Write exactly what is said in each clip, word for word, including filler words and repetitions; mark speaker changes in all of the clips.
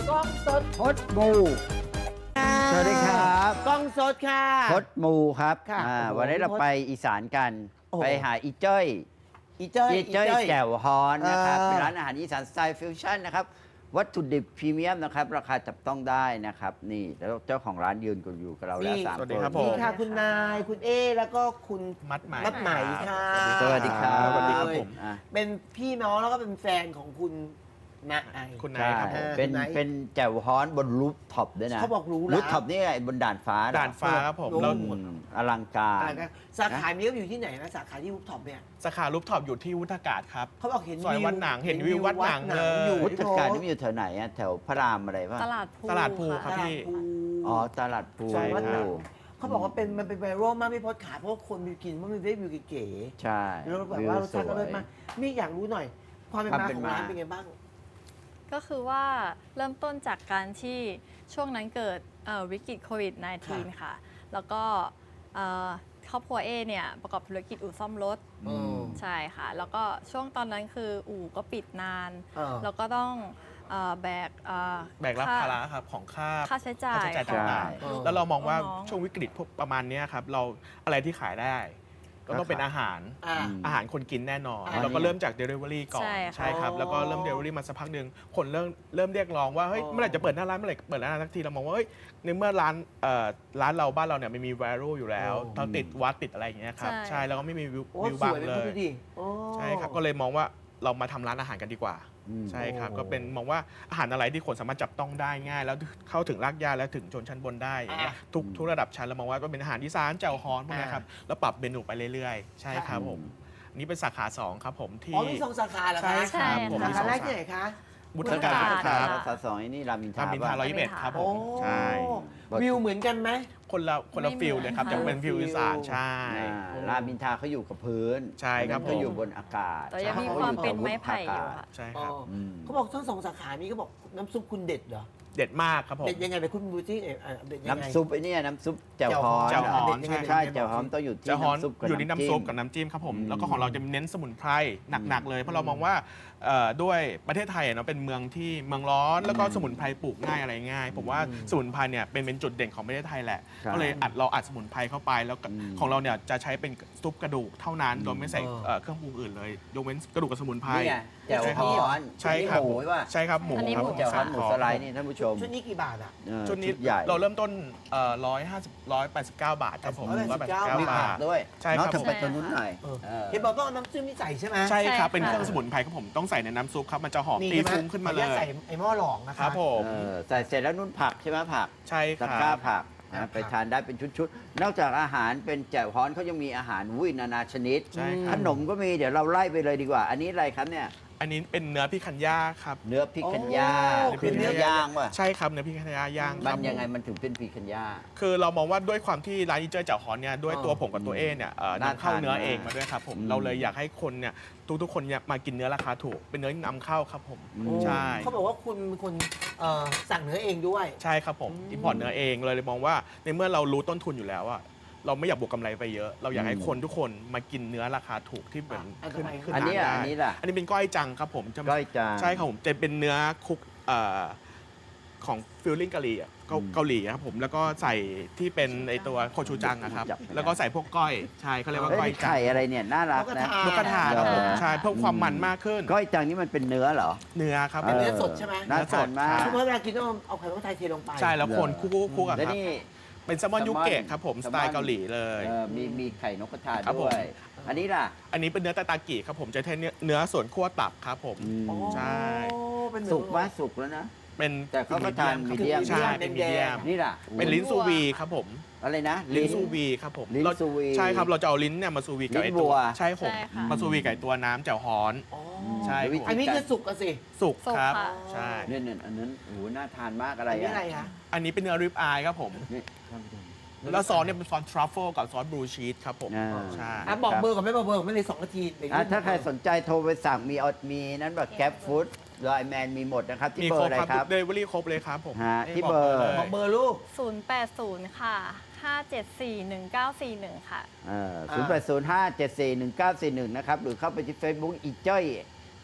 Speaker 1: กล้องสด
Speaker 2: พดมูสวัสดีครับ
Speaker 1: กล้องสดค่ะ
Speaker 2: พดมูครับ
Speaker 1: ค่ะ
Speaker 2: อ่า
Speaker 1: โอ้โห
Speaker 2: วันนี้เราไปอีสานกัน
Speaker 1: โอ้โห
Speaker 2: ไปหาอีเจ้ย
Speaker 1: อีเจ้ย
Speaker 2: อีเจ้ยแจ่วฮอนนะครับ
Speaker 1: เออ
Speaker 2: เป็นร้านอาหารอีสานสไตล์ฟิวชั่นนะครับ วัตถุดิบพรีเมียมนะครับ ราคาจับต้องได้นะครับ นี่แล้วเจ้าของร้านยืนกันอยู่กับเราแล้วสาม
Speaker 3: สวัสดี
Speaker 2: คน
Speaker 3: ครับผม
Speaker 1: นี่ค่ะคุณนายคุณเอแล้วก็คุณ
Speaker 3: มัดไหม
Speaker 1: มัดไหมค่ะ
Speaker 2: สวัสดีครับ
Speaker 3: สวัสดีครับผม
Speaker 2: อ่ะ
Speaker 1: เป็นพี่น้องแล้วก็เป็นแฟนของคุณนาย
Speaker 3: คุณนา
Speaker 2: ใช่
Speaker 3: ยครับผม
Speaker 2: เป็น
Speaker 1: คุณนาย
Speaker 2: เป็นแจ่วฮอนบนรูฟท็อปด้วยนะ
Speaker 1: เขาบอกหรูหรา
Speaker 2: รูฟท็อปนี่ไงบนด่านฟ้าเหรอ
Speaker 3: ด่านฟ้าครับผม
Speaker 1: โอ้
Speaker 3: แล้ว
Speaker 2: อืมอลังการ
Speaker 1: อะไรนะสาขานี้ก็อยู่ที่ไหนนะสาขาที่รูปท็อปเนี่ย
Speaker 3: สาขารูปท็อปอยู่ที่วุฒากาศครับ
Speaker 1: เขาบอกเห็น
Speaker 3: ซอยวัดหนังเห็นวิววัดหนังเลย
Speaker 1: อยู่
Speaker 2: วุ
Speaker 1: ที่
Speaker 2: ฒ
Speaker 1: โพสต์
Speaker 2: การนี่มันอยู่แถวไหนอะแถวพระรามอะไรป่ะ
Speaker 4: ตลาดภู
Speaker 3: ตลาดภู
Speaker 4: ค่ะ
Speaker 3: รับพี่
Speaker 1: ตลาดภู
Speaker 2: อ๋อตลาดภู
Speaker 3: ใช่ครับ
Speaker 1: เขาบอกว่าเป็นมันเป็นไวรัลมากพี่พศขาเพราะว่าคนมีกินว่ามันได้วิวเก๋
Speaker 2: ใช่
Speaker 1: ๆแล้วแบบว่ารสชาติก็เลิศมากนี่อยากรู้หน่อย ความเป็น
Speaker 2: ความ
Speaker 1: มา
Speaker 2: เป็น
Speaker 1: ของร้าน
Speaker 2: มา
Speaker 1: เป็นไงบ้าง
Speaker 4: ก็คือว่าเริ่มต้นจากการที่ช่วงนั้นเกิดเอ่อวิกฤตโควิด สิบเก้า ค่ะ แล้วก็เอ่อครอบครัวเอเนี่ยประกอบธุรกิจอู่ซ่อมรถ
Speaker 1: อืม
Speaker 4: ใช่ค่ะ แล้วก็ช่วงตอนนั้นคืออู่ก็ปิดนาน
Speaker 1: เออ
Speaker 4: แล้วก็ต้องเอ่อแบกเอ่อ
Speaker 3: แบกรับ
Speaker 4: ค่
Speaker 3: ภาระครับของค่า
Speaker 4: ค่าใช้จ่าย
Speaker 3: ค่าใช้จ่ายต่าง
Speaker 1: ใช่
Speaker 3: ๆ แล้วเรามองว่า
Speaker 4: น้องๆ
Speaker 3: ช่วงวิกฤตพวกประมาณเนี้ยครับเราอะไรที่ขายได้ ก็ต้องเป็นอาหาร
Speaker 1: อ่า
Speaker 2: อืม
Speaker 3: อาหารคนกินแน่นอน
Speaker 1: อ่า
Speaker 3: เราก็เริ่มจาก Delivery ก่อน
Speaker 4: ใช่ค่ะ
Speaker 3: ใช่ครับ
Speaker 1: อ๋อ
Speaker 3: แล้วก็เริ่ม Delivery มาสักพักหนึ่งคนเริ่มเริ่มเรียกร้องว่าเฮ้ย
Speaker 1: อ๋อ
Speaker 3: เมื่อไหร่จะเปิดหน้าร้านเมื่อไหร่เปิดหน้าร้านสักทีเรามองว่าเฮ้ยในเมื่อร้านเอ่อร้านเราบ้านเราเนี่ยไม่มี viral อยู่แล้ว
Speaker 1: โอ้
Speaker 3: เราติดวัดติดอะไรอย่างเงี้ยครับ
Speaker 4: ใช่
Speaker 3: ใช่แล้วก็ไม่มีวิว
Speaker 1: โอ้
Speaker 3: วิว
Speaker 1: ส
Speaker 3: บัง
Speaker 1: วยเป็น
Speaker 3: เล
Speaker 1: พูด
Speaker 3: ย
Speaker 1: ดิโอ้
Speaker 3: ใช่ครับ ก็เลยมองว่าเรามาทำร้านอาหารกันดีกว่า
Speaker 2: อืม
Speaker 3: ใช่ครับ
Speaker 1: โอ้
Speaker 3: ก็เป็นมองว่าอาหารอะไรที่คนสามารถจับต้องได้ง่าย แล้วเข้าถึงรากหญ้าและถึงชนชั้นบนได้อย่างเงี้ย
Speaker 1: อ่ะ
Speaker 3: ทุกทุกระดับชั้นเรามองว่าก็เป็นอาหารอีสานแจ่วฮอนพวกเนี้ยครับ
Speaker 1: อ่ะ
Speaker 3: แล้วปรับเมนูไปเรื่อยๆ ใช่ครับ
Speaker 2: อืม
Speaker 3: ผมอันนี่เป็นสาขาสองครับผมที่
Speaker 1: อ๋อมีสองสาขาเหรอคะ
Speaker 3: ใช่ครับผม
Speaker 1: สา
Speaker 3: มี
Speaker 1: ขา
Speaker 3: สอง
Speaker 1: แร
Speaker 3: สาก
Speaker 1: ที่ไหนคะ
Speaker 3: บุต
Speaker 4: บุ
Speaker 3: ร
Speaker 4: ตร
Speaker 3: การ
Speaker 4: การ
Speaker 3: ค
Speaker 4: ครั
Speaker 3: รับ
Speaker 4: บ
Speaker 2: สาสองไอ้นี่รามินท
Speaker 3: รา
Speaker 2: รา
Speaker 3: มินทราร้อยยี่สิบเอ็ดครับผม ใช่
Speaker 1: วิวเหมือนกันไหม
Speaker 3: คนละคนละ
Speaker 4: ไม่
Speaker 3: ฟิล
Speaker 4: เหมือน
Speaker 3: เลยครับ
Speaker 4: ค่ะ
Speaker 3: จะเป็นฟิลอีสานใช่
Speaker 2: อ่ารามินทราเขาอยู่กับพื้น
Speaker 3: ใช่ครับ
Speaker 2: อันนั้นก็
Speaker 3: ผม
Speaker 2: อยู่บนอากาศ
Speaker 4: แต่ยังมี
Speaker 2: ข
Speaker 4: ความ
Speaker 2: อยู่
Speaker 4: เป็น
Speaker 2: กับ
Speaker 4: ไม้ไผ่อยู่
Speaker 2: วุฒิ
Speaker 4: ค่ะ
Speaker 3: ใช่ครับ
Speaker 2: อืม
Speaker 1: เขาบอกทั้งสองสาขานี้ก็บอกน้ำซุปคุณเด็ดเหรอ
Speaker 3: เด็ดมากครับผม
Speaker 1: เด็ดยังไงไปคุณดูที่เอ่อเอ่อเด็ดยังไง
Speaker 2: น้ำซุปไอ้เนี่ยน้ำซุปแจ่วฮอน
Speaker 3: แจ่วฮอน
Speaker 1: เด็ดยังไง
Speaker 2: ใช่
Speaker 1: เด็ดยังไง
Speaker 2: แจ่วฮอนต้องอยู่ที่
Speaker 3: จะฮอน
Speaker 2: น้ำซุปกับ
Speaker 3: อยู่ที่น้ำซุปกับ
Speaker 2: น้ำ
Speaker 3: น้ำจิ้มครับผม
Speaker 2: อืม
Speaker 3: แล้วก็ของเราจะเน้นสมุนไพรหนักๆเลย เพราะเรามองว่าเอ่อด้วยประเทศไทยอะเนาะเป็นเมืองที่เมืองร้อน แล้วก็สมุนไพรปลูกง่ายอะไรง่าย ผมว่าสมุนไพรเนี่ยเป็นเป็นจุดเด่นของประเทศไทยแหละ
Speaker 2: ใช่
Speaker 3: ก็เลยอัดเราอัดสมุนไพรเข้าไปแล้วก็
Speaker 2: อืม
Speaker 3: ของเราเนี่ยจะใช้เป็นซุปกระดูกเท่านั้น โดยไม่ใส่
Speaker 1: เออ
Speaker 3: เอ่อเครื่องปรุงอื่นเลยยกเว้นกระดูกกับสมุนไพร
Speaker 2: นี่ไงแจ่วฮอน
Speaker 3: ใช่ครับ
Speaker 2: หมูป่ะ
Speaker 3: ใช่ครับหมู
Speaker 4: อันนี้
Speaker 3: ครับ
Speaker 4: หมู
Speaker 2: แจ่วฮอนหมู
Speaker 3: ข
Speaker 2: สไลด์นี่ท่านผู้ชม
Speaker 1: ชุดนี้กี่บาทอ่ะ
Speaker 2: เออ
Speaker 3: ชุดนี้
Speaker 2: ใหญ่
Speaker 3: เราเริ่มต้นร้อยห้าสิบร้อยแปดสิบเก้าบาทครับผม
Speaker 1: ร้อยแปดสิบเก้า
Speaker 2: มี
Speaker 3: บา
Speaker 2: ผัก
Speaker 3: ท
Speaker 2: ด้วย
Speaker 3: ใช่ครับ
Speaker 2: น้องถึงไปตรงนู้นหน่อย
Speaker 1: เออ
Speaker 2: เออ
Speaker 1: เห็นบอกต้องเอาน้ำจิ้มนี่ใส่ใช่ไหม
Speaker 3: ใช่ครับ
Speaker 4: ใช่ค่ะ
Speaker 3: เป็นเครื่องสมุนไพรครับผมต้องใส่ในน้ำซุปครับมันจะหอม
Speaker 1: นี่
Speaker 3: ตี
Speaker 1: ใช่ไหม
Speaker 3: ฟุ้งขึ้นมาเล
Speaker 1: ขออญตใส่
Speaker 3: ย
Speaker 1: ไอ้หม้อหลองนะ
Speaker 3: ค
Speaker 1: คะ
Speaker 3: รับผม
Speaker 2: เออใส่เสร็จแล้วนุ่นผักใช่ไหมผัก
Speaker 3: ใช่ค
Speaker 2: ตะ
Speaker 3: รับ
Speaker 2: กร้าผัก
Speaker 1: ครั
Speaker 2: นะ
Speaker 1: บ
Speaker 2: ไปทานได้เป็นชุดๆ นอกจากอาหารเป็นแจ่วฮ้อนเขายังมีอาหารวุ้ยนานาชนิด
Speaker 3: ใช่ค
Speaker 2: ข
Speaker 3: รับ
Speaker 2: นมก็มีเดี๋ยวเราไล่ไปเลยดีกว่า อันนี้อะไรครับเนี่ย
Speaker 3: อันนี้เป็นเนื้อพิคันย่าครับ
Speaker 2: เนื้อพิคันย่า
Speaker 1: โอ้
Speaker 2: คือเนื้อย่างว่ะ
Speaker 3: ใช่ครับเนื้อพิคันย่าย่างค
Speaker 2: มั
Speaker 3: รั
Speaker 2: น
Speaker 3: บ
Speaker 2: ยังไงมันถึงเป็นพิคันย่า
Speaker 3: คือเรามองว่าด้วยความที่ร้านอีเจอร์เจ้าฮอนเนี่ยด้วย
Speaker 1: อ๋อ
Speaker 3: ตัวผมกับตัวเอเนี่ยเอ่อ
Speaker 2: น่าน
Speaker 3: ำเข้า
Speaker 2: ทาน
Speaker 3: เนื้อ
Speaker 2: มาก
Speaker 3: เองมาด้วยครับผม
Speaker 2: อืม
Speaker 3: เราเลยอยากให้คนเนี่ยทุกๆคนเนี่ยมากินเนื้อราคาถูกเป็นเนื้อนำเข้าครับผม
Speaker 2: อืม
Speaker 1: โอ้
Speaker 3: ใช่
Speaker 1: เขาบอกว่าคุณเป็นคนเอ่อสั่งเนื้อเองด้วย
Speaker 3: ใช่ครับผม
Speaker 1: อืม
Speaker 3: อิมพอร์ตเนื้อเองเลยเลยมองว่าในเมื่อเรารู้ต้นทุนอยู่แล้วอะเราไม่อยากบวกกำไรไปเยอะ เราอยากให้
Speaker 2: อืม
Speaker 3: คนทุกคนมากินเนื้อราคาถูกที่เหมือน
Speaker 1: อ่ะ
Speaker 3: ขึ้น
Speaker 1: ทำไม
Speaker 3: ขึ้น
Speaker 2: อันนี้
Speaker 3: ร้า
Speaker 2: อ่ะ
Speaker 3: ได้
Speaker 2: อันนี้ล่ะ
Speaker 3: อันนี้เป็นก้อยจังครับผมจะ
Speaker 2: ก้อยจาง
Speaker 3: ใช่ครับผมจะเป็นเนื้อคุกเอ่อของฟิลลิ่งกะหรี่อะเกา
Speaker 2: อืม
Speaker 3: เกาหลีครับผมแล้วก็ใส่ที่เป็นไอตัวโคชูจังอะครับ
Speaker 2: จับไม่ได้
Speaker 3: แล้วก็ใส่พวกก้อยใช่เขาเรียกว่า
Speaker 2: เอ้ย
Speaker 3: ก้อย
Speaker 2: นี่
Speaker 3: จัง
Speaker 2: ไข่อะไรเนี่ยน่ารักนะ
Speaker 3: นกกระทาครับผม
Speaker 2: เหรอ
Speaker 3: ใช่เพิ่มความมันมากขึ้น
Speaker 2: ก้อยจังนี่มันเป็นเนื้อเหรอ
Speaker 3: เนื้อครับ
Speaker 1: เป็นเนื้อสดใช่ไหม
Speaker 2: น่าทานมาก
Speaker 3: เนื้อสด
Speaker 1: เพราะเวลากินต้องเอาไข่ต้มไทยเทลงไป
Speaker 3: ใช่แล้วคนคุกคุกคุกอะ
Speaker 2: แล้ว
Speaker 3: ครับ
Speaker 2: นี่
Speaker 3: เป็นแซลมอนยุเกะครับผมสไตล์เกาหลีเลย
Speaker 2: เออมีมีไข่นกกระทา
Speaker 3: ครับผม
Speaker 2: ด้วย อันนี้ล่ะ
Speaker 3: อันนี้เป็นเนื้อตาตากิครับผมจะใช้เนื้อเนื้อส่วนคั่วตับครับผม
Speaker 2: อืม
Speaker 1: อ๋อ
Speaker 3: ใช่
Speaker 1: เป็น
Speaker 2: สุกไหมสุกแล้วนะ
Speaker 3: เป็น
Speaker 2: แต่เขาก็ทาน
Speaker 3: ครับ
Speaker 2: medium
Speaker 3: ใช่เป็นมีเดียม
Speaker 2: นี่ล่ะ
Speaker 3: เป็นลิ้นซูวีครับผม
Speaker 2: อะไรนะ
Speaker 3: ลิ้นซูวีครับผม
Speaker 2: ลิ้น
Speaker 3: เรา
Speaker 2: ซูวี
Speaker 3: ใช่ครับเราจะเอาลิ้นเนี่ยมาซูวีกับไอ
Speaker 2: ลิ้นวั
Speaker 3: ตัว
Speaker 2: ว
Speaker 3: ใช่ผม
Speaker 4: ใช่ค่ะ
Speaker 3: มาซูวีกับไอ้ตัวน้ำแจ่วฮ้อน
Speaker 1: อ๋อ
Speaker 3: ใช่
Speaker 2: วิธี
Speaker 1: อันนี้คือสุกอะสิ
Speaker 3: สุก
Speaker 4: สุก
Speaker 3: ครับ
Speaker 4: ค่ะ
Speaker 3: ใช่
Speaker 2: เนี่ยเนี่ยอันนั้นโอ้โหน่าทานมากอะไร
Speaker 1: อันนี้
Speaker 2: อ่ะ
Speaker 1: อะไรคะ
Speaker 3: อันนี้เป็นเนื้อริบอายครับผม
Speaker 2: นี่ท่านผู้ชม
Speaker 3: แล้วซอสเนี่ยเป็นซอสทรัฟเฟิลกับซอสบลูชีสครับผม
Speaker 2: อ่า
Speaker 3: ใช่
Speaker 1: อ่ะบอกเบอร์ก่อนไม่บอกเบอร์ก่อนไม่เลยสองนาทีเดี๋ยว
Speaker 2: อ่ะถ้าใครสนใจโทรไปสั่งมีออดมีนั้นแบบแก๊ปฟู้ดไลน์แมนมีหมดนะครับ ที่
Speaker 3: มี
Speaker 2: เบอ
Speaker 3: คร
Speaker 2: ร์
Speaker 3: บ
Speaker 2: อะไร
Speaker 3: ครับ
Speaker 2: ครับ
Speaker 3: เดลิเวอรี่ครบเลยครับผม
Speaker 2: ฮะ
Speaker 3: ให้
Speaker 2: ที่เบอร์
Speaker 3: ลย
Speaker 1: บอกเบอร์ลูก
Speaker 4: ศูนย์ แปด ศูนย์ ค่ะ ห้า เจ็ด สี่ หนึ่ง เก้า สี่ หนึ่ง ค่ะ
Speaker 2: ศูนย์แปดศูนย์ห้าเจ็ดสี่หนึ่งเก้าสี่หนึ่งนะครับ หรือเข้าไปที่ Facebook อีจ้อย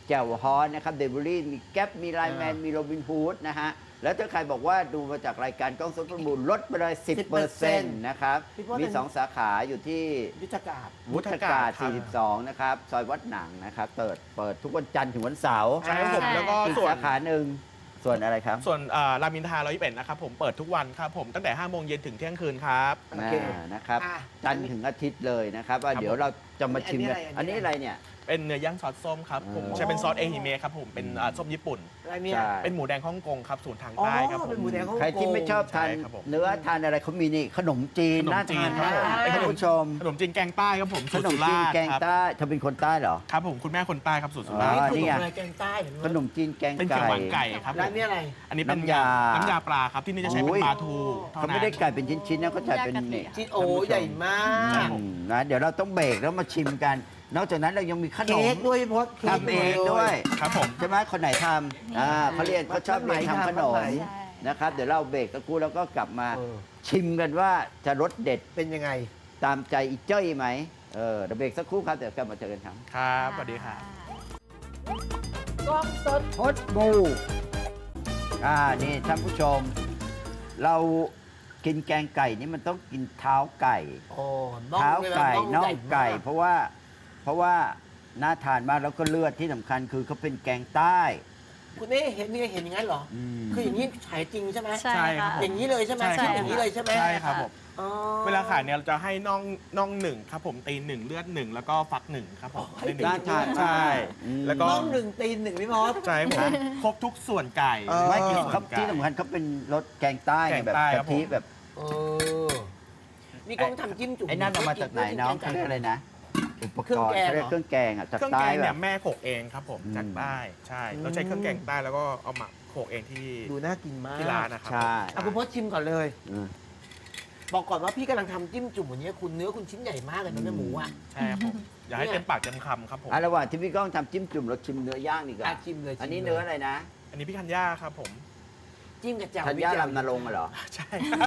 Speaker 2: แจ่วฮอนนะครับเดลิเวอรี่มีแก๊ปมีไลน์แมนมีโรบินฮูดนะฮะแล้วถ้าใครบอกว่าดูมาจากรายการกล้องสดประมูลลดไปเลย สิบเปอร์เซ็นต์ นะครับ
Speaker 1: พี่พศ
Speaker 2: มีสองสาขาอยู่ที่
Speaker 1: ยุทธกาศ
Speaker 2: วุฒากาศ
Speaker 3: ครับ
Speaker 2: สี่สิบสอง นะครับ ซอยวัดหนังนะครับเปิดเปิดทุกวันจันทร์ถึงวันเสาร์
Speaker 3: ใช่ครับผม
Speaker 4: ใช่
Speaker 3: แล้วก็
Speaker 2: อีก
Speaker 3: ส่วน
Speaker 2: สาขาหนึ่งส่วนอะไรครับ
Speaker 3: ส่วนอ่ารามอินทราร้อยยี่สิบเอ็ดนะครับผมเปิดทุกวันครับผมตั้งแต่ห้าโมงเย็นถึงเที่ยงคืนครับ
Speaker 1: โอเค
Speaker 2: อ่านะครับ
Speaker 1: อ่ะ
Speaker 2: จันทร์ถึงอาทิตย์เลยนะครับว่า
Speaker 3: ครับ
Speaker 2: เดี๋ยวเราจะมาชิม
Speaker 1: อันนี้
Speaker 2: กัน
Speaker 1: อะไร
Speaker 2: อันนี้อะไรเนี่ย
Speaker 3: เป็นเนื้อย่างซอสส้มครับผม
Speaker 2: อ๋อ
Speaker 3: ใช้เป็นซอสเอฮิเมะครับผมเป็นอ่าส้มญี่ปุ่น
Speaker 1: อะไรเนี่ย
Speaker 2: ใช่
Speaker 3: เป็นหมูแดงฮ่องกงครับสูตรทาง
Speaker 1: อ๋อ
Speaker 3: ใต้ครับผ
Speaker 1: เป็น
Speaker 3: ม
Speaker 1: หมูแดงฮ่องกง
Speaker 2: ใครที่ไม่ชอบทาน
Speaker 3: ใช่ครับผม
Speaker 2: เนื้อทานอะไรเขามีนี่ขนมจีน
Speaker 3: ขนม
Speaker 2: น่า
Speaker 3: จี
Speaker 2: ทาน
Speaker 3: นครับ
Speaker 2: มาก
Speaker 3: ผม
Speaker 2: ท่านผู้ชม
Speaker 3: ขนมจีนแกงใต้ครับผม
Speaker 2: ข
Speaker 3: สูตร
Speaker 2: นม
Speaker 3: สุ
Speaker 2: จีน
Speaker 3: ราษฎร์
Speaker 2: แกง
Speaker 3: ครับ
Speaker 2: ใต้เธอเป็นคนใต้เหรอ
Speaker 3: ครับผมคุณแม่คนใต้ครับสูตรสุ
Speaker 2: อ๋
Speaker 3: ราษฎ
Speaker 2: อ
Speaker 3: ร์
Speaker 1: นี่
Speaker 2: นี่ไง
Speaker 1: อะไรแกงใต้เห็นไหม
Speaker 2: ขนมจีนแกง
Speaker 3: เป็นเขียว
Speaker 2: ไก่
Speaker 3: หวานไก่ครับผ
Speaker 1: ร้าน
Speaker 3: ม
Speaker 1: นี้อะไร
Speaker 3: อันนี้เป็น
Speaker 2: น้ำยา
Speaker 3: น้ำยาปลาครับที่นี่จะใช้เป็น
Speaker 2: โอ้ย
Speaker 3: ปลาทูท่
Speaker 2: เขาไม่ได้ไก่เป็นชิ้นๆนะเขาจัดเป็นนี่
Speaker 1: ชิ้นโอ้ใหญ่มาก
Speaker 2: อืมนะเดี๋ยวเราต้องเบรกแล้วมาชิมกัน นอกจากนั้นเรายังมีขน
Speaker 1: เค้
Speaker 2: ม
Speaker 1: กด้วยพี่พศ
Speaker 2: ทำเองด้วย
Speaker 3: ครับผม
Speaker 2: ใช่ไหมคนไหนทำอ่าเขาเรียนเขาชอบเรียนทำขนม
Speaker 1: ใช่
Speaker 2: นะครับ เดี๋ยวเราเบรกตะกูแล้วก็กลับมา
Speaker 1: เออ
Speaker 2: ชิมกันว่าจะรสเด็ด
Speaker 1: เป็นยังไง
Speaker 2: ตามใจอีเจ้ยไหมเออเดี๋ยวเบรกสักครู่ครับเดี๋ยวกลับมาเจอกันครับ
Speaker 3: ครับสวัสดีครับ
Speaker 1: กล้องสด
Speaker 2: พดบูอ่านี่ท่านผู้ชม เรากินแกงไก่นี่มันต้องกินเท้าไก่
Speaker 1: โอ้น่อง
Speaker 2: เท้า
Speaker 1: เลยนะ
Speaker 2: ไก่น่อง
Speaker 1: ใหญ่
Speaker 2: ไก่
Speaker 1: มาก
Speaker 2: เพราะว่าเพราะว่าน่าทานมากแล้วก็เลือดที่สำคัญคือเขาเป็นแกงใต้
Speaker 1: คุณนี่เห็นนี่เห็นอย่างนั้นเหรอ
Speaker 2: อืม
Speaker 1: คืออย่างนี้ขายจริงใช่ไหม
Speaker 4: ใช่
Speaker 3: ใช่ครั
Speaker 4: ค่ะ
Speaker 3: บ
Speaker 1: อย่างนี้เลยใช่ไหม
Speaker 3: ใช่
Speaker 1: คิด
Speaker 3: ครับ
Speaker 1: อย่างนี้เลยใช่ไหม
Speaker 3: ใช่ครับผม
Speaker 1: อ๋อ
Speaker 3: เวลาขายเนี่ยเราจะให้น่องน่องหนึ่งครับผมตีนหนึ่งเลือดหนึ่งแล้วก็ฟักหนึ่งครับผม
Speaker 1: อ๋อ
Speaker 3: ในหนึ่ง
Speaker 2: น่าทาน
Speaker 3: ใช่
Speaker 2: อืม
Speaker 3: แล้วก็
Speaker 1: น่องหนึ่งตีนหนึ่งพี่มอส
Speaker 3: ใช่ผมครบทุกส่วนไก่
Speaker 1: เออ
Speaker 2: ไม่
Speaker 3: ทุ
Speaker 2: กิน
Speaker 3: ส่วน
Speaker 2: เขา
Speaker 3: ไก่
Speaker 2: ที่สำคัญเขาเป็นรสแกงใต้ไง
Speaker 3: แกง
Speaker 2: แบบ
Speaker 3: ใต้ครั
Speaker 2: กะ
Speaker 3: บ
Speaker 2: ทิ
Speaker 3: ผม
Speaker 2: แบบ
Speaker 1: เออนี่กล้องทำจิ้มจุ่ม
Speaker 2: ไอ้นั่นเอามาจากไหนน้องเขาเรียกอะไรนะอุปกรณ์เขาเรียกเครื่องแกงอ่ะจาก
Speaker 3: เครื่อง
Speaker 2: ใต้
Speaker 3: แกง
Speaker 2: แบ
Speaker 3: เนี่ย
Speaker 2: บ
Speaker 3: แม่โขกเองครับผม
Speaker 2: อืม
Speaker 3: จากใต้ใช่เราใช้เครื่องแกงใต้แล้วก็เอาหมักโขกเองที่
Speaker 1: ดูน่ากินมาก
Speaker 3: ที่ร้านนะครับ
Speaker 2: ใช่
Speaker 1: เอาคุณพศชิมก่อนเลย
Speaker 2: อืม
Speaker 1: บอกก่อนว่าพี่กำลังทำจิ้มจุ่มวันนี้คุณเนื้อคุณชิ้นใหญ่มากเลยนะเนื้อหมูอ่ะ
Speaker 3: ใช่ครับผมอย่าให้เต็มปากเต็มคำครับผม
Speaker 2: อ่ะระหว่างที่พี่ก้องทำจิ้มจุ่มเราชิมเนื้อย่างดีกว่า
Speaker 1: อ่ะชิมเลย
Speaker 2: อันนี้
Speaker 1: ชิมลย
Speaker 2: เนื้ออะไรนะ
Speaker 3: อันนี้พี่คันย่าครับผม
Speaker 1: จิ้มกับแจ่ว
Speaker 2: ธัญญาลำนรงค์เหรอ
Speaker 3: ใช่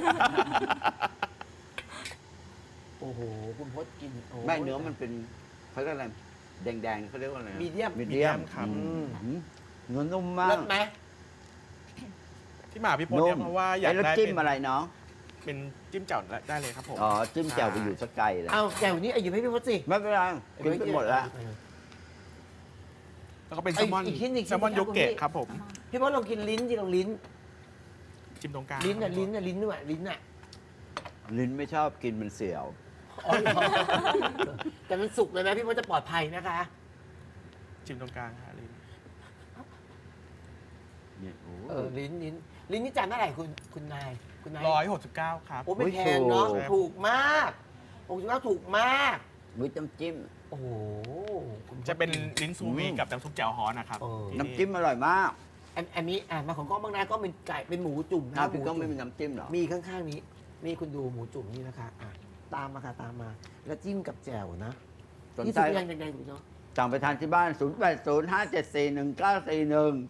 Speaker 1: โอ้โหคุณพศกินโ
Speaker 2: ไม่เนื้อมันเป็นเขาเรียกอะไรแดงๆเขาเรียกว่าอะไรนะ
Speaker 1: มีเดียม
Speaker 2: มีเดียม
Speaker 3: ครับ
Speaker 2: อืมอืมเนื้อนุ่มมา
Speaker 1: เลิ
Speaker 2: ก
Speaker 1: ศไหม
Speaker 3: ที่มาพี่พลเนี่ยเพราะว่าอยาก
Speaker 2: ไอ้แล้ว
Speaker 3: ได้
Speaker 2: จิ้ม
Speaker 3: เป็น
Speaker 2: อะไรน้อง
Speaker 3: เป็นจิ้มแจ่วได้เลยครับผม
Speaker 2: อ๋อจิ้มแจ่วไปอยู่สักไกลเลย
Speaker 1: เอาแจ่วนี้เอาอยู่ให้พี่พศสิ
Speaker 2: ไม่เป็นไรกินไปหมดแล้ว
Speaker 3: แล้วก็เป็น
Speaker 1: ไอ้
Speaker 3: แซลมอน
Speaker 1: อีกชิ้นหนึ่ง
Speaker 3: แซลมอน
Speaker 1: ชิ้น
Speaker 3: โย
Speaker 1: ครับ
Speaker 3: เกะ
Speaker 1: คุณพี่
Speaker 3: ครับผม
Speaker 1: พี่พศลองกินลิ้นดิลองลิ้น
Speaker 3: จิ้มตรงกลาง
Speaker 1: ลิ้นน่ะลิ้นน่ะลิ้นด้วยลิ้นน่ะ
Speaker 2: ลิ้นไม่ชอบกินมันเสียว
Speaker 1: อ๋อเหรอแต่มันสุกเลยนะพี่พศจะปลอดภัยนะคะ
Speaker 3: จิ้มตรงกลางฮะลิ้น
Speaker 2: เนี่ยโอ้
Speaker 1: เออลิ้นลิ้นลิ้นนี่จานเท่าไหร่คุณคุณนายคุณนาย
Speaker 3: ร้อยหกสิบเก้าครับ
Speaker 1: โอ้ไม่แพงเนาะ
Speaker 3: โอ้ยถูก
Speaker 1: ถูกมากหกสิบเก้าถูกมาก
Speaker 2: วิน้ำจิ้ม
Speaker 1: โอ้โหคุณพศ
Speaker 3: จะเป็นลิ้นซูวี
Speaker 2: อืม
Speaker 3: กับน้ำซุปแจ่วฮอนนะครับ
Speaker 1: เออ
Speaker 3: ที่
Speaker 2: น้ำจิ้มอร่อยมาก
Speaker 1: อันอันนี้อ่ะมาของกล้องบางนาก็เป็นไก่เป็นหมูจุ่มนะ
Speaker 2: อ้าวพี่
Speaker 1: ห
Speaker 2: ก้อง
Speaker 1: จุ่
Speaker 2: ไม่มีน้ำจิ้มเหรอ
Speaker 1: มีข้างๆนี้นี่คุณดูหมูจุ่มนี่นะคะอ่ะตามมาค่ะตามมา แล้วจิ้มกับแจ่วนะ
Speaker 2: สน
Speaker 1: นี่
Speaker 2: ใจ
Speaker 1: สุดยังแดงๆถูกเนาะ
Speaker 2: สั่งไปทานที่บ้าน ศูนย์ แปด ศูนย์ ห้า เจ็ด สี่ หนึ่ง เก้า สี่ หนึ่ง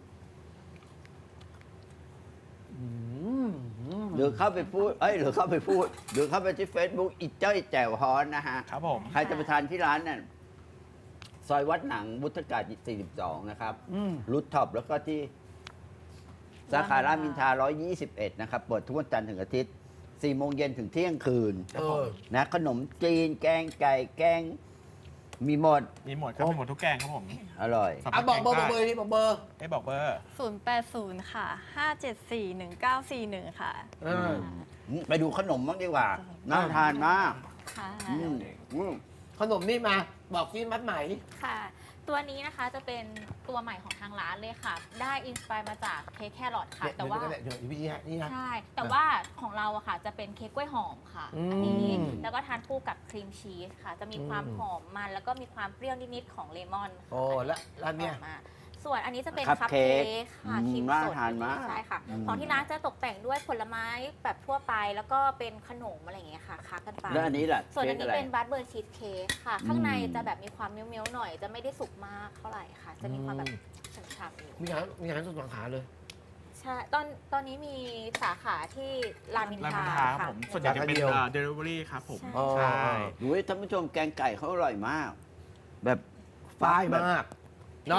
Speaker 1: อืม
Speaker 2: หรือเข้าไปพูด เอ้ย หรือเข้าไปพูด หรือเข้าไปที่ Facebook อีเจ้ยแจ่วฮอนนะฮะ
Speaker 3: ครับผม
Speaker 2: ใครจะไปทานที่ร้านเนี่ยซอยวัดหนังวุฒากาศสี่สิบสอง นะครับ
Speaker 1: อืม
Speaker 2: รูทท็อปแล้วก็ที่สาขารามอินทราหนึ่งร้อยยี่สิบเอ็ด นะครับ เปิดทุกวันจันทร์ถึงอาทิตย์สี่โมงเย็นถึงเที่ยงคืน
Speaker 1: เออ
Speaker 2: นะขนมจีนแกงไก่แกง มีหมด
Speaker 3: มีหมดครับมีหมดทุกแกงครับผม
Speaker 2: อร่อย
Speaker 3: สำห
Speaker 1: อ่ะ
Speaker 3: รับ
Speaker 1: บอกเบอร์
Speaker 3: แก
Speaker 1: บอก
Speaker 3: ง
Speaker 1: เบอร์นี่บอกเบอร์
Speaker 3: ให้บอกเบอร์
Speaker 4: ศูนย์แปดศูนย์ค่ะห้าเจ็ดสี่หนึ่งเก้าสี่หนึ่งค่ะ
Speaker 1: เออ
Speaker 2: ไปดูขนมบ้างดีกว่า น่าทานมาก
Speaker 4: ค่ะ
Speaker 2: อืมอืม
Speaker 1: ขนมนี่มาบอกซิมัดไหม
Speaker 5: ค่ะ ตัวนี้นะคะจะเป็นตัวใหม่ของทางร้านเลยค่ะ ได้อินสปายมาจากเค้กแครอทค่ะ
Speaker 1: เดี๋ยว
Speaker 5: แต่ว่า
Speaker 1: เดี๋ยวเดี๋ยวพี่ฮะนี่นะ
Speaker 5: ใช่ แต่ว่าของเราอะค่ะจะเป็นเค้กกล้วยหอมค่ะ
Speaker 1: อืม
Speaker 5: อันนี้แล้วก็ทานคู่กับครีมชีสค่ะ จะมีความ
Speaker 1: อืม
Speaker 5: หอมมันแล้วก็มีความเปรี้ยวนิดๆของเลมอนค่ะ
Speaker 1: โอ้แล้วแล้วเนี่ย
Speaker 5: ออกมาส่วนอันนี้จะเป็น
Speaker 2: คัพ
Speaker 5: คัพ
Speaker 2: เค้
Speaker 5: เค้
Speaker 2: ก
Speaker 5: กค่ะ
Speaker 2: อืม
Speaker 5: ครีม
Speaker 2: น่า
Speaker 5: สด
Speaker 2: ทานมาก
Speaker 5: ใช่ค่ะ
Speaker 2: อืม
Speaker 5: ของที่ร้านจะตกแต่งด้วยผลไม้แบบทั่วไป แล้วก็เป็นขนมอะไรอย่างเงี้ยค่ะค้ากันไป
Speaker 2: แล้วอันนี้ล่ะ
Speaker 5: ส่วนอัน
Speaker 2: ค้
Speaker 5: นี้
Speaker 2: กะไร
Speaker 5: เป็นบัตเบอร์ชีสเค้กค่ะ
Speaker 2: อืม
Speaker 5: ข้างในจะแบบมีความเมี้ยวๆหน่อย จะไม่ได้สุกมากเท่าไหร่ค่ะ จะมีความแบบฉ่ำๆอยู่
Speaker 1: มีร้านมีร้านสุดสาขาเลย
Speaker 5: ใช่ ตอนตอนนี้มีสาขาที่รามอิน
Speaker 3: ราม
Speaker 5: ทรา
Speaker 3: อินทราครับ
Speaker 5: ค่ะ
Speaker 3: ผม ส่วนใหญ่จะเป็น
Speaker 1: สาขาเดียว
Speaker 3: เดลิเวอรี่ครับผม
Speaker 5: ใช่
Speaker 1: อ๋อ
Speaker 3: ใช่
Speaker 2: ดูให้ท่านผู้ชมแกงไก่เขาอร่อยมาก แบบ
Speaker 1: ฝ้าย
Speaker 2: แบบ
Speaker 1: มาก เนาะ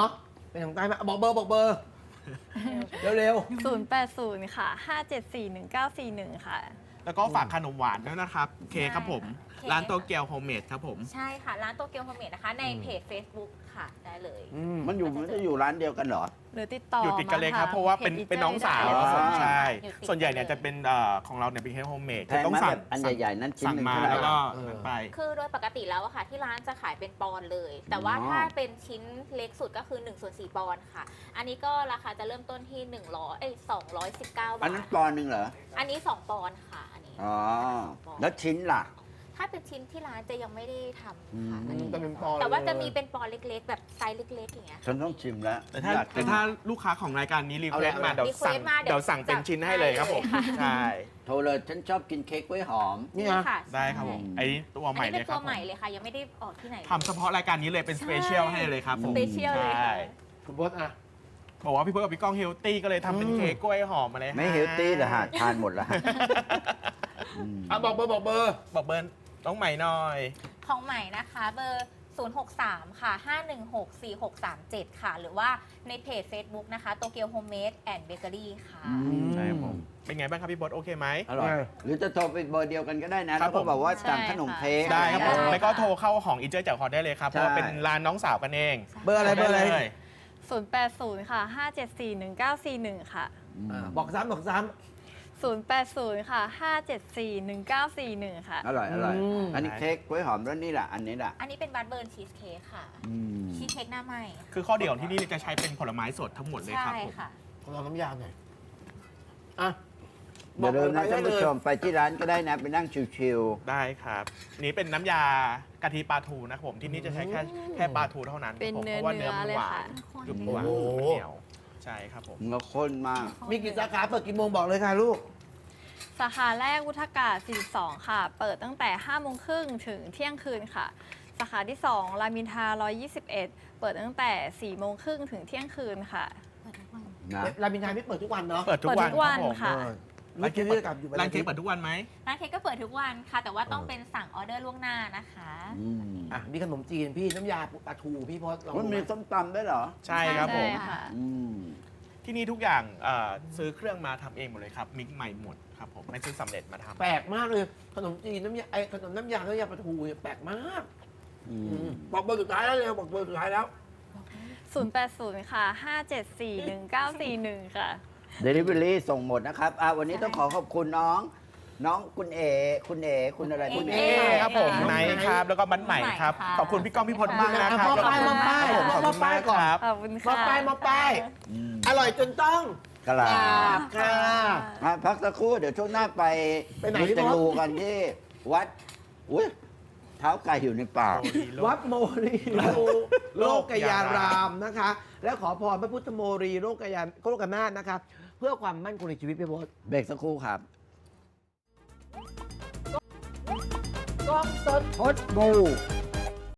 Speaker 1: เป็นของใต้มาบอกเบอร์บอกเบอร์ เร็ว
Speaker 4: ศูนย์แปดศูนย์ค่ะห้าเจ็ดสี่หนึ่งเก้าสี่หนึ่งค่ะ
Speaker 3: แล้วก็ฝากขนมหวานด้วยนะครับเค้กครับผม
Speaker 5: เค้ก
Speaker 3: ร้านโตเกียวโฮมเมดครับผม
Speaker 5: ใช่ค่ะ ร้านโตเกียวโฮมเมดนะคะ ในเพจ Facebook ค่ะ ได้เลย
Speaker 1: ๆอืม
Speaker 2: มันอยู่มันจะอยู่ร้านเดียวกันเหรอ
Speaker 4: หรือติดต่อ
Speaker 3: อยู่ติดกันเลยครับ
Speaker 4: มทง
Speaker 3: เพราะว่าเป็น
Speaker 4: พจ
Speaker 3: เป็นน้องสาว
Speaker 4: ได้
Speaker 2: อ๋อ
Speaker 3: ใช่
Speaker 5: อยู่ติด
Speaker 3: ส่วนใหญ่เนี่ย
Speaker 5: กันเลย
Speaker 3: จะเป็นเอ่อของเราเนี่ยเป็นเค้กโฮมเมด
Speaker 2: แพ
Speaker 3: จะ
Speaker 2: ง
Speaker 3: ต้อง
Speaker 2: มาก
Speaker 3: สั่
Speaker 2: แบ
Speaker 3: ง
Speaker 2: บอันใหญ่ๆนั้นชิ้น
Speaker 3: สั่ง
Speaker 2: หนึ่ง
Speaker 3: มา
Speaker 2: เท่าไหร่
Speaker 3: แล้วก็
Speaker 1: เออ
Speaker 3: นั่นไป
Speaker 5: คือโดยปกติแล้วอะค่ะ ที่ร้านจะขายเป็นปอนด์เลย แต่ว่า
Speaker 2: อ๋อ
Speaker 5: ถ้าเป็นชิ้นเล็กสุดก็คือ1ส่วน4ปอนด์ค่ะ อันนี้ก็ราคาจะเริ่มต้นที่1ร้อยเอ้ยสองร้อยสิบเก้า
Speaker 2: อั
Speaker 5: บาน
Speaker 2: นั้น
Speaker 5: ท
Speaker 2: ปอนด์หนึ่งเหรอ
Speaker 5: อันนี้สองปอนด์ค่ะ อันนี้
Speaker 2: อ๋อ แล้วชิ้นล่ะ
Speaker 5: ถ้าเป็นชิ้นที่ร้านจะยังไม่ได้ทำ
Speaker 2: อื
Speaker 5: ค่ะ
Speaker 2: ม
Speaker 5: อันนี้
Speaker 1: แต่เป็นปอนด์
Speaker 5: แต่ว่า
Speaker 1: เลย
Speaker 5: จะมีเป็นปอนด์เล็กๆ แบบไซส์เล็กๆอย่างเงี้ย
Speaker 2: ฉันต้องชิมแล้ว
Speaker 3: แต่ถ้า
Speaker 2: อยากกิ
Speaker 3: แต่
Speaker 2: น
Speaker 3: ถ้าลูกค้าของรายการนี้รีเควส
Speaker 1: เอาเลย
Speaker 3: มาเดี๋ยวสั่ง
Speaker 5: request มาเดี๋ยว
Speaker 3: เดี๋ยวสั่งเป็นชิ้นให้เลยครับผม
Speaker 5: จัดให้เลยค่ะ
Speaker 3: ใช่
Speaker 2: โทรเลยฉันชอบกินเค้กกล้วยหอม
Speaker 1: นี่นะ
Speaker 5: ค่ะ
Speaker 3: ได้ครับผม
Speaker 2: ใช่
Speaker 3: ไอ้นี่ตัว
Speaker 5: อัน
Speaker 3: ใหม่
Speaker 5: นี้
Speaker 3: เล
Speaker 5: เป็
Speaker 3: ย
Speaker 5: น
Speaker 3: ค
Speaker 5: ตั
Speaker 3: รั
Speaker 5: ว
Speaker 3: บ
Speaker 5: ใหม่เลยค่ะ ยังไม่ได้ออกที่ไหนลย
Speaker 3: ทำเฉพาะรายการนี้เลยเป็นสเปเชียลให้เลยครับผม
Speaker 5: สเปเชียลเลย
Speaker 3: ใช่
Speaker 5: ค่ะ
Speaker 1: คุณพจน์อ่ะ
Speaker 3: บอกว่าพี่เพิร์ลกับพี่ก้องเฮลตี้ก็เลยทำเป็น
Speaker 1: อืม
Speaker 3: เค้กกล้วยหอมมาเลย
Speaker 2: ไม่เฮลตี้เหรอฮะทานหมดแล้วฮะอืม
Speaker 1: อ่ะบอกเบอร์บอกเบอร์
Speaker 3: บอกเบิร์นน้องใหม่หน่อย
Speaker 5: ของใหม่นะคะเบอร์ ศูนย์ หก สาม ค่ะ ห้า หนึ่ง หก สี่ หก สาม เจ็ด ค่ะ หรือว่าในเพจ Facebook นะคะโตเกียวโฮมเมดแอนด์เบเกอรี่ค่ะ
Speaker 2: อืม
Speaker 3: ใช่ครับผม เป็นไงบ้างครับพี่บอสโอเคไหม
Speaker 2: อร่อย หรือจะโทรไปเบอร์เดียวกันก็ได้นะ
Speaker 3: ครั
Speaker 2: แล้
Speaker 3: บ
Speaker 2: วก็บอกว่า
Speaker 4: ผม
Speaker 2: สั่งขนมเค้ก
Speaker 3: ได้ครับผม
Speaker 5: ได้
Speaker 3: แล้วก็โทรเข้าของอีเจอร์จากฮอตได้เลยครับ เพราะว่า
Speaker 2: ใช่
Speaker 3: เป็นร้านน้องสาวกันเอง
Speaker 1: เบอร์อะไรเบอร์อะไร
Speaker 3: ด้ลย
Speaker 4: ศูนย์แปดศูนย์ค่ะห้าเจ็ดสี่หนึ่งเก้าสี่หนึ่งค่ะ
Speaker 1: อ่ะบอกซ้ำบอกซ้
Speaker 4: ศูนย์แปดศูนย์ค่ะห้าเจ็ดสี่หนึ่งเก้าสี่หนึ่งค่ะ
Speaker 2: อร่อยอร่อย
Speaker 1: อืม
Speaker 2: อันนี้เค้กกล้วยหอมแล้วนี่แหละอันนี้แหละ
Speaker 5: อันนี้เป็นบัตเบิร์นชีสเค้กค่ะ
Speaker 2: อืม
Speaker 5: ชีสเค้กหน้าไหม
Speaker 3: คือข้อดีของที่นี่จะใช้เป็นผลไม้สดทั้งหมดเลยครับ
Speaker 5: ใช่
Speaker 3: ผม
Speaker 5: ค่ะ
Speaker 1: ำขอลองน้ำยาหน่อยอ่ะ
Speaker 2: อย่าลืมนะ
Speaker 1: บ
Speaker 2: ท่า
Speaker 1: อน ก
Speaker 2: ผู้
Speaker 1: เลย
Speaker 2: ชมไปที่ร้านก็ได้นะ ไปนั่งชิว
Speaker 3: ได้ครับ นี่เป็นน้ำยากะทิปลาทูนะครับผมที่นี่จะใช้แค่แค่ปลาทูเท่านั้น
Speaker 4: เป็น
Speaker 3: ครับผม
Speaker 4: เนื้อ
Speaker 3: เพราะว่าเนื้อมัน
Speaker 4: เนื้อเลย
Speaker 3: หวา
Speaker 4: ค่ะ
Speaker 3: นกรึบหวาน
Speaker 1: โอ้โห
Speaker 3: เหนียวใช่ครับผม
Speaker 2: ๆเนื้อข้นมาก
Speaker 1: มีกี่สาขาเปิดกี่โมงบอกเลยค่ะลูก
Speaker 4: สาขาแรกวุฒากาศสี่สิบสองค่ะ เปิดตั้งแต่ห้าโมงครึ่งถึงเที่ยงคืนค่ะ สาขาที่สองรามอินทราหนึ่งร้อยยี่สิบเอ็ดเปิดตั้งแต่สี่โมงครึ่งถึงเที่ยงคืนค่ะ
Speaker 2: นะ
Speaker 1: รามอินทราไม่เปิดทุกวันเนาะ
Speaker 3: เปิดทุกวัน
Speaker 4: เปิดทุกวัน
Speaker 3: รับผม
Speaker 4: ค่ะ
Speaker 1: เออร้านเค้กที่จะกลับอยู่
Speaker 3: ร้านเค้กเปิดทุกวันไหม
Speaker 5: ร้านเค้กก็เปิดทุกวันค่ะ แต่ว่าต้องเป็นสั่งออเดอร์ล่วงหน้านะคะ
Speaker 2: อืม
Speaker 1: อ่ะมีขนมจีนพี่น้ำยาปลาทูพี่พจน์ลอง
Speaker 2: มัน
Speaker 1: ดูไห
Speaker 2: มีส้มตำด้วยเหรอ
Speaker 3: ใช่ครับผม
Speaker 4: ใช่ค่ะ
Speaker 2: อืม
Speaker 3: ที่นี่ทุกอย่างเอ่อซื้อเครื่องมาทำเองหมดเลยครับ มิกใหม่หมดครับผมไม่ซื้อสำเร็จมาทำ
Speaker 1: แปลกมากเลยขนมจีนน้ำยาไอ้ขนมน้ำยาน้ำยาปลาทูเนี่ยแปลกมาก
Speaker 2: อื
Speaker 1: อื
Speaker 2: ม
Speaker 1: มบอกเบอร์สุดท้ายแล้วเร็วบอกเบอร์สุดท้ายแล้ว
Speaker 4: ศูนย์แปดศูนย์ค่ะห้าเจ็ดสี่หนึ่งเก้าสี่หนึ่งค่ะ
Speaker 2: เดลิเวอรี่ส่งหมดนะครับอ่ะวันนี้ต้องขอขอบคุณน้อง น้องคุณเอ คุณเอ คุณอะไร
Speaker 5: คุณ
Speaker 3: เอครับผม
Speaker 1: น้อง
Speaker 3: ไน
Speaker 1: ไนท์
Speaker 3: ท์ครับแล้วก็มันใหม่ครับ
Speaker 5: ค่ะ
Speaker 3: ขอบคุณพี่ก้องพี่พลมากนะครับ
Speaker 1: มอบป้ายมอบป้าย
Speaker 3: ครับผมขอบคุณมากครับ
Speaker 4: ขอบคุณ
Speaker 1: มา
Speaker 4: ค่ะ
Speaker 1: ป้ายมาป้าย
Speaker 2: อืม
Speaker 1: อร่อยจนต้อง
Speaker 2: กะลา
Speaker 1: กราบค่ะ
Speaker 2: อ่ะพักสักครู่เดี๋ยวช่วงหน้าไป
Speaker 1: ไปไหน
Speaker 2: มู
Speaker 1: พี่
Speaker 2: เต
Speaker 1: บอส
Speaker 2: ลูกันที่วัด อุ้ยเท้าไก่อยู่ในปาก
Speaker 1: วัดโมรีโลกยารามนะคะ และขอพรพระพุทธโมรีโลกยาโลกนาถนะคะ เพื่อความมั่นคงในชีวิตพี่พจน์
Speaker 2: เบรกสักครู่ครับ
Speaker 1: กล้องสด
Speaker 2: พดบู